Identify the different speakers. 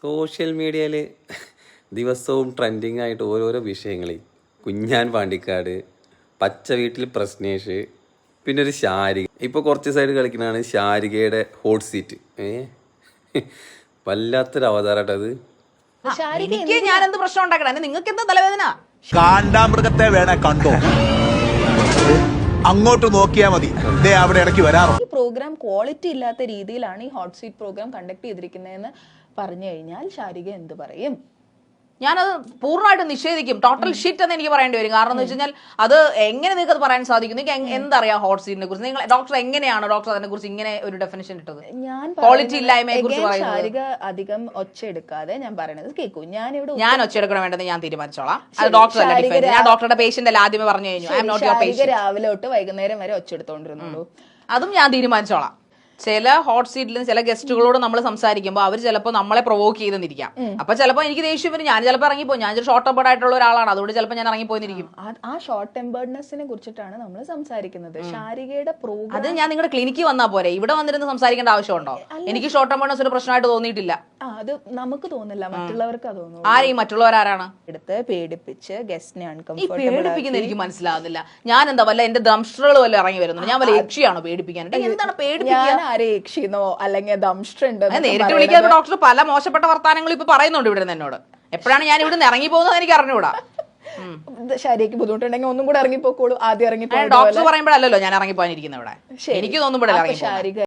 Speaker 1: Social മീഡിയയിൽ ദിവസവും trending ആയിട്ട് ഓരോരോ വിഷയങ്ങൾ. കുഞ്ഞാൻ പാണ്ടിക്കാട്, പച്ച വീട്ടിൽ പ്രശ്നേഷ്, പിന്നെ ഒരു ശാരിക. ഇപ്പോൾ കുറച്ച് സൈഡ് കളിക്കുന്നതാണ് ശാരികയുടെ ഹോട്ട് സീറ്റ്. വല്ലാത്തൊരു അവതാരട്ടത്.
Speaker 2: എനിക്ക് ഞാൻ എന്ത് പ്രശ്നം ഉണ്ടാക്കണം? നിങ്ങൾക്ക് എന്താ തലവേദന?
Speaker 3: കാണ്ടാമൃഗത്തെ വേണേ കണ്ടോ, അങ്ങോട്ട് നോക്കിയാൽ മതി, അവിടെ ഇടയ്ക്ക് വരാറോ.
Speaker 4: ഈ പ്രോഗ്രാം ക്വാളിറ്റി ഇല്ലാത്ത രീതിയിലാണ് ഈ ഹോട്ട് സീറ്റ് പ്രോഗ്രാം കണ്ടക്ട് ചെയ്തിരിക്കുന്നതെന്ന് പറഞ്ഞു കഴിഞ്ഞാൽ ശാരിക എന്ത് പറയും?
Speaker 2: ഞാനത് പൂർണ്ണമായിട്ട് നിഷേധിക്കും. ടോട്ടൽ ഷിറ്റ് എന്ന് എനിക്ക് പറയേണ്ടി വരും. കാരണം എന്ന് വെച്ച് കഴിഞ്ഞാൽ അത് എങ്ങനെ നിങ്ങൾക്ക് അത് പറയാൻ സാധിക്കും? നിങ്ങൾക്ക് എന്തറിയാം ഹോട്ട് സീറ്റിനെ കുറിച്ച്? നിങ്ങൾ ഡോക്ടർ എങ്ങനെയാണ് ഡോക്ടർ അതിനെ കുറിച്ച് ഇങ്ങനെ ഒരു ഡെഫിനിഷൻ ഇട്ടത്?
Speaker 4: ഞാൻ
Speaker 2: ക്വാളിറ്റി ഇല്ലായ്മയെ കുറിച്ച്
Speaker 4: ശാരിക അധികം ഒച്ച എടുക്കാതെ ഞാൻ പറയുന്നത് കേൾക്കൂ.
Speaker 2: ഞാൻ ഒച്ച എടുക്കണം വേണ്ടത് ഞാൻ തീരുമാനിച്ചോളാം. അത് ഡോക്ടർ അല്ല ഡിഫൈൻ. ഞാൻ ഡോക്ടറുടെ പേഷ്യന്റ് അല്ല, ആദ്യമേ പറഞ്ഞു കഴിഞ്ഞു. I am not your patient.
Speaker 4: രാവിലെ തൊട്ട് വൈകുന്നേരം വരെ ഒച്ച എടുത്തോണ്ടിരുന്നുള്ളൂ.
Speaker 2: അതും ഞാൻ തീരുമാനിച്ചോളാം. ചില ഹോട്ട് സീറ്റിലും ചില ഗസ്റ്റുകളോട് നമ്മൾ സംസാരിക്കുമ്പോൾ അവർ ചിലപ്പോൾ നമ്മളെ പ്രൊവോക്ക് ചെയ്തെന്നിരിക്കാം. അപ്പൊ ചിലപ്പോൾ എനിക്ക് ദേഷ്യം വരും. ഞാൻ ചിലപ്പോൾ ഇറങ്ങിപ്പോ. ഞാൻ ഷോർട്ട് ടെമ്പേർഡ് ആയിട്ടുള്ള ഒരാളാണ്, അതുകൊണ്ട് ചിലപ്പോൾ ഞാൻ ഇറങ്ങിപ്പോയിരിക്കും.
Speaker 4: ആ ഷോർട്ട് ടെമ്പേർഡ്നെസ്സിനെ കുറിച്ചിട്ടാണ് നമ്മൾ സംസാരിക്കുന്നത്. ശാരികയുടെ പ്രോഗ്രാം
Speaker 2: അത് ഞാൻ നിങ്ങളുടെ ക്ലിനിക്കിൽ വന്നാൽ പോരെ? ഇവിടെ വന്നിരുന്ന് സംസാരിക്കേണ്ട ആവശ്യമുണ്ടോ? എനിക്ക് ഷോർട്ട് ടെമ്പേർഡ്നെസ് ഒരു പ്രശ്നമായിട്ട് തോന്നിയിട്ടില്ല.
Speaker 4: അത് നമുക്ക് തോന്നില്ല, മറ്റുള്ളവർക്ക് തോന്നുന്നു.
Speaker 2: ആരെയും മറ്റുള്ളവരാരാണ്
Speaker 4: എടുത്ത് പേടിപ്പിച്ച് ഗസ്റ്റിനെ
Speaker 2: പേടിപ്പിക്കുന്ന എനിക്ക് മനസ്സിലാവുന്നില്ല. ഞാൻ എന്താ വല്ല എന്റെ ദംഷ്ട്രകൾ വല്ല ഇറങ്ങി വരുന്നുണ്ട്? ഞാൻ വല്ല യക്ഷിയാണോ പേടിപ്പിക്കാൻ? എന്താണ് പേടിപ്പിക്കാൻ?
Speaker 4: യക്ഷിന്നോ അല്ലെങ്കിൽ
Speaker 2: നേരിട്ട് വിളിക്കാതെ ഡോക്ടർ പല മോശപ്പെട്ട വർത്താനങ്ങൾ ഇപ്പൊ പറയുന്നുണ്ട് ഇവിടെ നിന്ന് എന്നോട്. എപ്പോഴാണ് ഞാൻ ഇവിടെ നിന്ന് ഇറങ്ങി പോകുന്നത് എനിക്ക് അറിഞ്ഞുകൂടാ.
Speaker 4: ശരിക്ക് ബുദ്ധിമുട്ടുണ്ടെങ്കിൽ ഒന്നും കൂടെ ഇറങ്ങിപ്പോക്കോളൂ. ആദ്യം ഇറങ്ങിപ്പോ
Speaker 2: ഡോക്ടർ പറയുമ്പോഴല്ലോ ഞാൻ ഇറങ്ങിപ്പോകാനിരിക്കുന്നത് ഇവിടെ. എനിക്ക് തോന്നുമ്പോഴല്ലേ ഇറങ്ങി.